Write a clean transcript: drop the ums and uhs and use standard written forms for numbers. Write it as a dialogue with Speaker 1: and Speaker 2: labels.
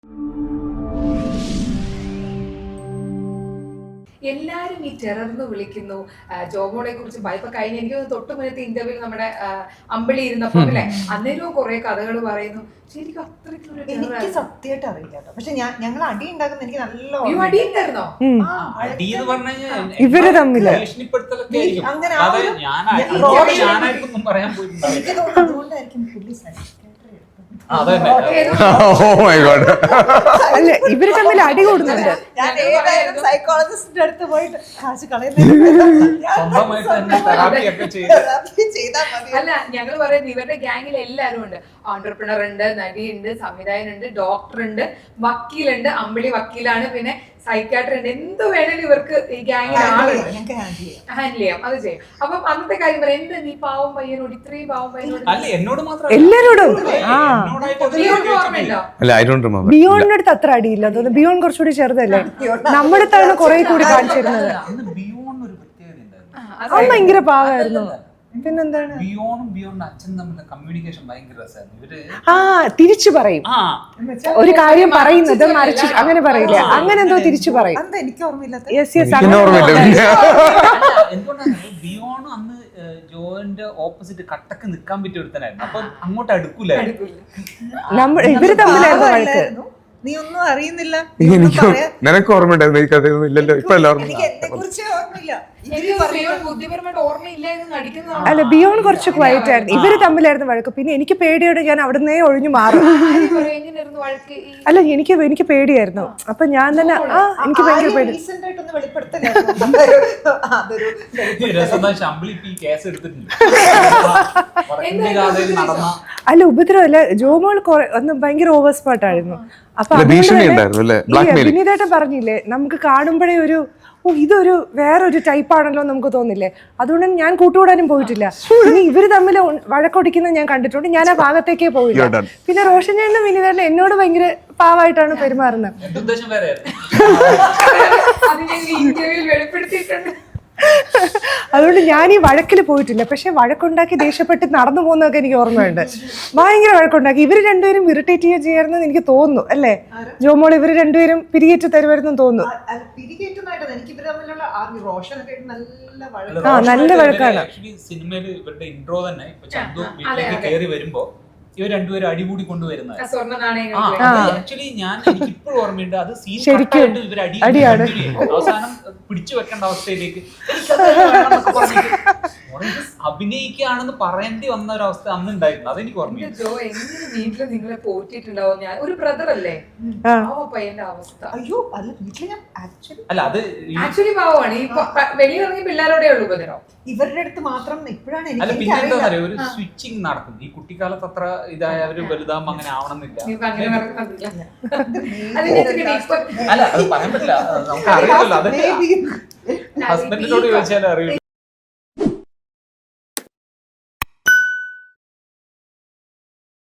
Speaker 1: എല്ലാരും ഈ ടെറർന്ന് വിളിക്കുന്നു ജോമോളെ കുറിച്ച് ഇപ്പൊ കഴിഞ്ഞ എനിക്ക് തൊട്ട് മുന്നത്തെ ഇന്റർവ്യൂ നമ്മുടെ അമ്പിളി ഇരുന്നപ്പോ അല്ലെ അന്നേരവും കുറെ കഥകൾ പറയുന്നു. ശരിക്കും
Speaker 2: എനിക്ക് സത്യമായിട്ട് അറിയില്ല കേട്ടോ. പക്ഷെ ഞങ്ങൾ അടി ഉണ്ടാക്കുന്ന എനിക്ക് നല്ല
Speaker 1: അടി ഉണ്ടായിരുന്നോ?
Speaker 3: ഇവര് തമ്മില്
Speaker 2: അങ്ങനെ എനിക്ക് തോന്നുന്നു അതുകൊണ്ടായിരിക്കും പുള്ളി
Speaker 3: അല്ല ഇവര് തമ്മിൽ അടി കൂടുന്നുണ്ട്.
Speaker 2: ഞാൻ ഏതായാലും സൈക്കോളജിസ്റ്റിന്റെ അടുത്ത് പോയിട്ട് കാശ്
Speaker 1: അല്ല ഞങ്ങൾ പറയുന്നത് ഇവരുടെ ഗ്യാങ്ങിൽ എല്ലാരും ഉണ്ട്. ഓൺടർപ്രണർ ഉണ്ട്, നടിയുണ്ട്, സംവിധായകനുണ്ട്, ഡോക്ടർ ഉണ്ട്, വക്കീലുണ്ട്. അമ്പിളി വക്കീലാണ്, പിന്നെ സൈക്കാട്രി ഉണ്ട്. എന്ത് വേണേലും ഇവർക്ക് ഈ ഗ്യാങ്ങിൽ ഹാൻഡിൽ ചെയ്യാം, അത് ചെയ്യും. അപ്പം അന്നത്തെ കാര്യം പറയാം, എന്ത് നീ പാവം പയ്യനോട് ഇത്രയും പാവം പയ്യനോട്
Speaker 3: എല്ലാരോടും
Speaker 1: ബിയോണിന്റെ
Speaker 3: അടുത്ത് അത്ര അടിയില്ല തോന്നുന്നു. ബിയോൺ കുറച്ചുകൂടി ചെറുതല്ലേ, നമ്മുടെ അടുത്താണ് കുറെ കൂടി കാണിച്ചിരുന്നത്. അവൻ ഭയങ്കര പാവായിരുന്നു. പിന്നെന്താണ് തിരിച്ചു പറയും, ഒരു കാര്യം പറയുന്നത് മറിച്ച് അങ്ങനെ പറയില്ല, അങ്ങനെ എന്തോ തിരിച്ചു പറയും.
Speaker 2: എനിക്ക് ഓർമ്മയില്ലാത്ത
Speaker 4: അന്ന് ജോന്റെ ഓപ്പോസിറ്റ് കട്ടക്ക് നിക്കാൻ പറ്റിയ ഒരുത്തനായിരുന്നു. അപ്പൊ അങ്ങോട്ട് അടുക്കൂലായിരുന്നു.
Speaker 3: ഇവര് തമ്മിലായിരുന്നു വഴക്ക്.
Speaker 2: നീ ഒന്നും അറിയുന്നില്ല.
Speaker 5: നിനക്ക് ഓർമ്മയുണ്ടായിരുന്നു ഈ കഥയൊന്നും ഇല്ലല്ലോ. ഇപ്പൊ
Speaker 2: എനിക്ക് എന്നെ കുറിച്ച് ഓർമ്മയില്ല.
Speaker 3: അല്ല ബിയോൺ കുറച്ച് ക്വയറ്റ് ആയിരുന്നു. ഇവര് തമ്മിലായിരുന്നു വഴക്ക്. പിന്നെ എനിക്ക് പേടിയോടെ ഞാൻ അവിടുന്നേ ഒഴിഞ്ഞു മാറും. അല്ല എനിക്ക് പേടിയായിരുന്നു. അപ്പൊ ഞാൻ തന്നെ എനിക്ക് ഭയങ്കര പേടി. അല്ല ഉപദ്രവല്ല, ജോമോൾ അന്ന് ഭയങ്കര ഓവർ സ്പോട്ടായിരുന്നു. അപ്പൊ വിനീതേട്ടൻ പറഞ്ഞില്ലേ, നമുക്ക് കാണുമ്പോഴേ ഒരു ഇതൊരു വേറൊരു ടൈപ്പാണല്ലോ നമുക്ക് തോന്നില്ലേ. അതുകൊണ്ട് ഞാൻ കൂട്ടുകൂടാനും പോയിട്ടില്ല. ഇനി ഇവര് തമ്മിൽ വഴക്കൊടിക്കുന്നത് ഞാൻ കണ്ടിട്ടുണ്ട്. ഞാൻ ആ ഭാഗത്തേക്കേ പോയില്ല. പിന്നെ റോഷൻ ചേട്ടനും വിനീതേട്ടനും എന്നോട് ഭയങ്കര പാവായിട്ടാണ് പെരുമാറുന്നത്. അതുകൊണ്ട് ഞാൻ ഈ വഴക്കിൽ പോയിട്ടില്ല. പക്ഷെ വഴക്കുണ്ടാക്കി ദേഷ്യപ്പെട്ട് നടന്നു പോകുന്നതൊക്കെ എനിക്ക് ഓർമ്മയുണ്ട്. ഭയങ്കര വഴക്കുണ്ടാക്കി. ഇവര് രണ്ടുപേരും ഇറിറ്റേറ്റ് ചെയ്യായിരുന്നു എനിക്ക് തോന്നുന്നു അല്ലേ ജോമോൾ? ഇവര് രണ്ടുപേരും പിരികേറ്റ് തരുമായിരുന്നു തോന്നുന്നു. നല്ല വഴക്കാണ്.
Speaker 4: സിനിമയിൽ ഇവരുടെ ഇൻട്രോ തന്നെ ഇപ്പൊ ചന്തു വീട്ടിലേക്ക് കയറി വരുമ്പോ ഇവർ രണ്ടുപേരും അടികൂടി കൊണ്ടുവരുന്നത്. ആക്ച്വലി എനിക്ക് ഇപ്പോഴും ഓർമ്മയുണ്ട്. അത് സീൻ കട്ടായിട്ട് ഇവർ അടിയാണ് അവസാനം പിടിച്ചു വെക്കേണ്ട അവസ്ഥയിലേക്ക് അഭിനയിക്കുകയാണെന്ന് പറയേണ്ടി വന്ന ഒരു അവസ്ഥ അന്ന് ഉണ്ടായിരുന്നു. അതെനിക്ക് ഓർമ്മയുണ്ട്.
Speaker 1: ജോ എങ്ങനെ വീട്ടില് നിങ്ങളെ പോറ്റിട്ടുണ്ടാവും? ഞാൻ ഒരു ബ്രദർ അല്ലേ, പയ്യന്റെ അവസ്ഥ.
Speaker 2: അയ്യോ അല്ല, വീട്ടില് ഞാൻ
Speaker 4: അല്ല അത്
Speaker 1: ആക്ച്വലി പാവമാണ്. ഈ വെളിയിറങ്ങി പിള്ളേരോടെ ഉള്ളൂ ഉപദ്രവം.
Speaker 2: ഇവരുടെ അടുത്ത് മാത്രം ഇപ്പോഴാണ്
Speaker 4: അല്ല പിന്നെ എന്താ പറയുക, ഒരു സ്വിച്ചിങ് നടക്കും. ഈ കുട്ടിക്കാലത്ത് അത്ര ഇതായവര് വലുതാകുമ്പോ അങ്ങനെ ആവണമെന്നില്ല. അല്ല അത് പറയാൻ പറ്റില്ല, നമുക്ക് അറിയില്ലല്ലോ. അത് ഹസ്ബൻഡിനോട് ചോദിച്ചാലേ അറിയുള്ളൂ.